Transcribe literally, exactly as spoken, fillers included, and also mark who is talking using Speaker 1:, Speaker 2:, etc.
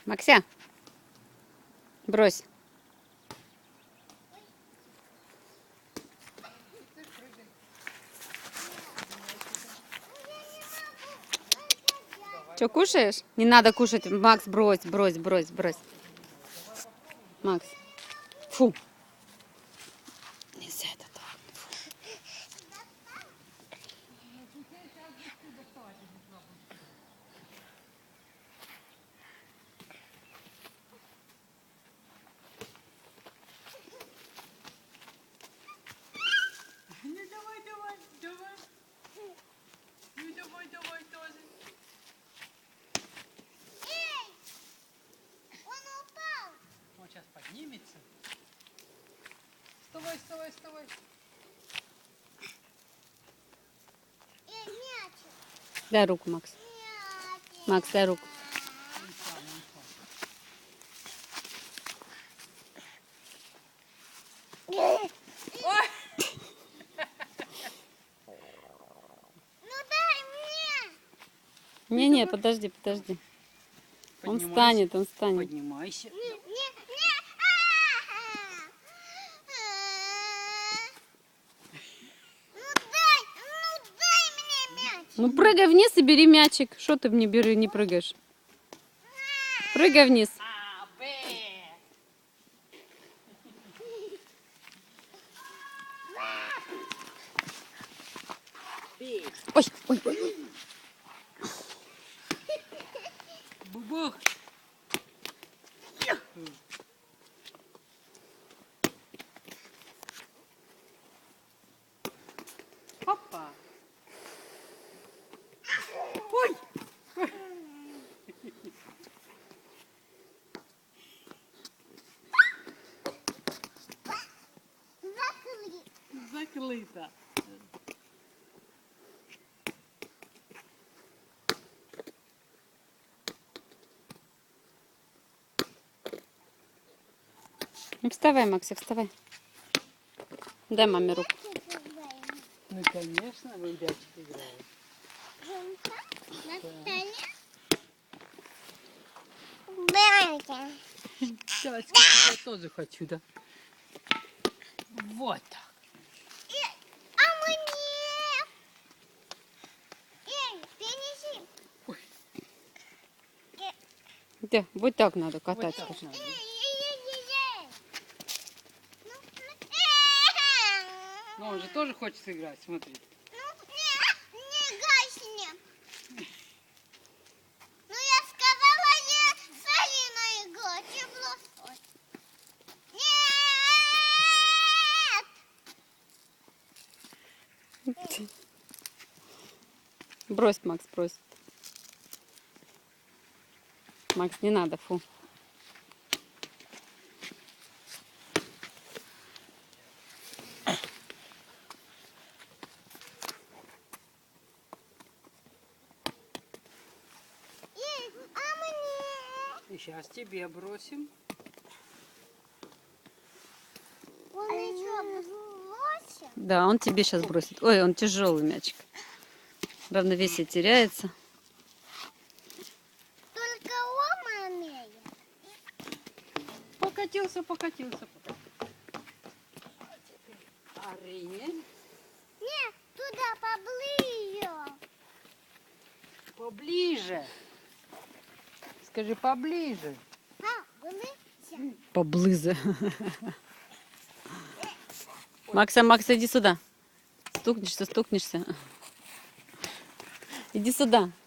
Speaker 1: Макся, брось. Что, кушаешь? Не надо кушать. Макс, брось, брось, брось, брось. Макс. Фу. Нельзя это так. Фу.
Speaker 2: Ну давай, давай, давай. Ну давай, давай тоже.
Speaker 3: Эй! Он упал!
Speaker 2: Он сейчас поднимется. Вставай, вставай, вставай.
Speaker 3: Эй, мячик!
Speaker 1: Дай руку, Макс.
Speaker 3: Мячик!
Speaker 1: Макс, дай руку.
Speaker 2: Он сам, он сам.
Speaker 3: Ну дай мне!
Speaker 1: Не-не, подожди, подожди. Он
Speaker 2: Поднимайся.
Speaker 1: встанет, он встанет.
Speaker 2: Поднимайся.
Speaker 3: Не, не, не! А! Ну дай, ну дай мне мяч!
Speaker 1: Ну прыгай вниз и бери мячик. Что ты не бери, не прыгаешь? Прыгай вниз.
Speaker 2: А, Б. Б.
Speaker 1: Ой, ой, ой, ой.
Speaker 2: Бубух. Опа. Ой.
Speaker 3: Закрыли!
Speaker 2: Закрыто.
Speaker 1: Ну, вставай, Максик, вставай. Дай маме руку.
Speaker 2: Ну, конечно, вы мячик играете.
Speaker 3: На столе? Братья.
Speaker 2: Давайте, я тоже хочу, да? Вот так.
Speaker 3: А мне? Эй, принеси.
Speaker 2: Ой.
Speaker 1: Да, вот так надо катать.
Speaker 2: Вот так
Speaker 1: скажи.
Speaker 2: надо.
Speaker 3: Эй, эй, эй, эй. Ну, ну,
Speaker 2: Ну, он же тоже хочет сыграть, смотри.
Speaker 3: ну, не, не гасни. Ну, я сказала, я с Алиной играть и бросать. Нет!
Speaker 1: Брось, Макс, брось. Макс, не надо, фу.
Speaker 3: Эй, а мне?
Speaker 2: Сейчас тебе бросим.
Speaker 3: Он еще бросил?
Speaker 1: Да, он тебе сейчас бросит. Ой, он тяжелый мячик. Равновесие теряется.
Speaker 3: Только он умеет.
Speaker 2: Покатился, покатился, покатился. Арине.
Speaker 3: Нет, туда поближе.
Speaker 2: Поближе. Скажи, поближе.
Speaker 3: Поближе.
Speaker 1: Поблизо. Макса, Макса, иди сюда. Стукнешься, стукнешься. Иди сюда.